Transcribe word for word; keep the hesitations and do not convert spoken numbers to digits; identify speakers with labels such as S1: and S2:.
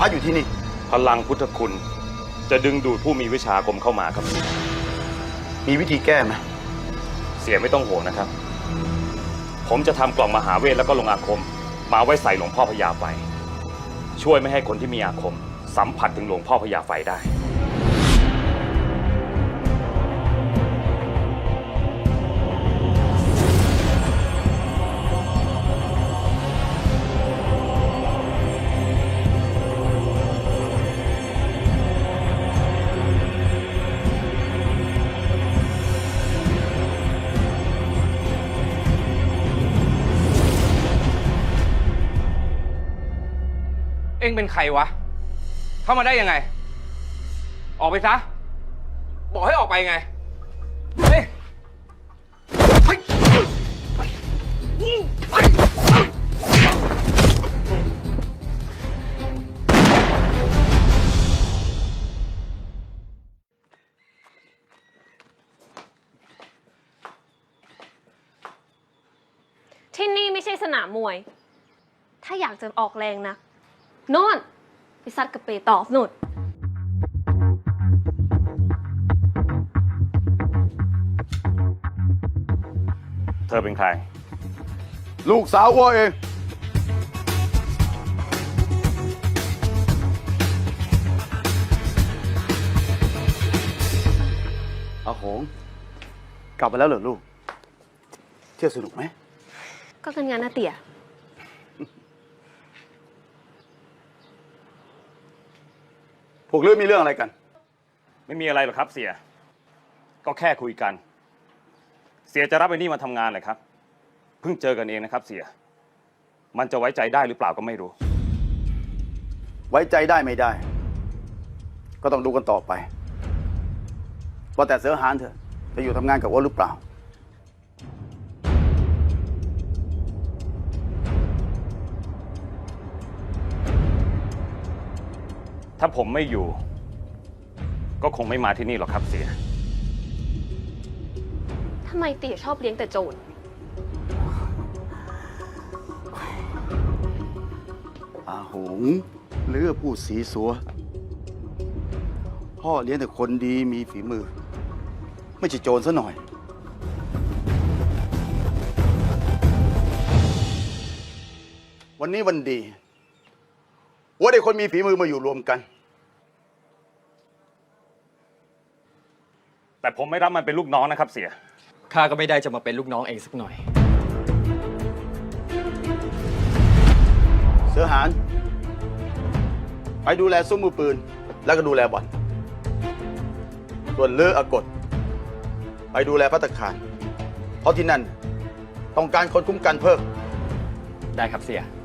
S1: ระอยู่ที่นี่
S2: พลังพุทธคุณจะดึงดูดผู้มีวิชาอาคมเข้ามาครับ
S1: มีวิธีแก้ไหม
S2: เสียไม่ต้องห่วงนะครับผมจะทำกล่องมหาเวทแล้วก็ลงอาคมมาไว้ใส่หลวงพ่อพญาไฟช่วยไม่ให้คนที่มีอาคมสัมผัสถึงหลวงพ่อพญาไฟได้
S3: เอ็งเป็นใครวะเข้ามาได้ยังไงออกไปซะบอกให้ออกไปไงเฮ้ย
S4: ที่นี่ไม่ใช่สนามมวย ถ้าอยากจะออกแรงนะโน่นไปซัดกับเปตอฟนู่น
S2: เธอเป็นใคร
S1: ลูกสาวอ้วเองอาหงกลับมาแล้วเหรอลูกเที่ยวสนุกไหม
S4: ก็กันงานนะเตี่ย
S1: พวกเรื่องมีเรื่องอะไรกัน
S2: ไม่มีอะไรหรอกครับเสียก็แค่คุยกันเสียจะรับไอ้นี่มาทำงานเลยครับเพิ่งเจอกันเองนะครับเสียมันจะไว้ใจได้หรือเปล่าก็ไม่รู้
S1: ไว้ใจได้ไม่ได้ก็ต้องดูกันต่อไปว่าแต่เสือหานเถอะจะอยู่ทำงานกับอ้วนหรือเปล่า
S2: ถ้าผมไม่อยู่ก็คงไม่มาที่นี่หรอกครับเสีย
S4: ทำไมเตี่ยชอบเลี้ยงแต่โจร
S1: อาหงเลือผู้สีสัวพ่อเลี้ยงแต่คนดีมีฝีมือไม่ใช่โจรซะหน่อยวันนี้วันดีว่าได้คนมีฝีมือมาอยู่รวมกัน
S2: แต่ผมไม่รับมันเป็นลูกน้องนะครับเสีย
S3: ข้าก็ไม่ได้จะมาเป็นลูกน้องเองสักหน่อย
S1: เสือหานไปดูแลซุ้มมือปืนแล้วก็ดูแลบ่อนส่วนเลืออากดไปดูแลภัตตาคารเพราะที่นั่นต้องการคนคุ้มกันเพิ่ม
S3: ได้ครับเสีย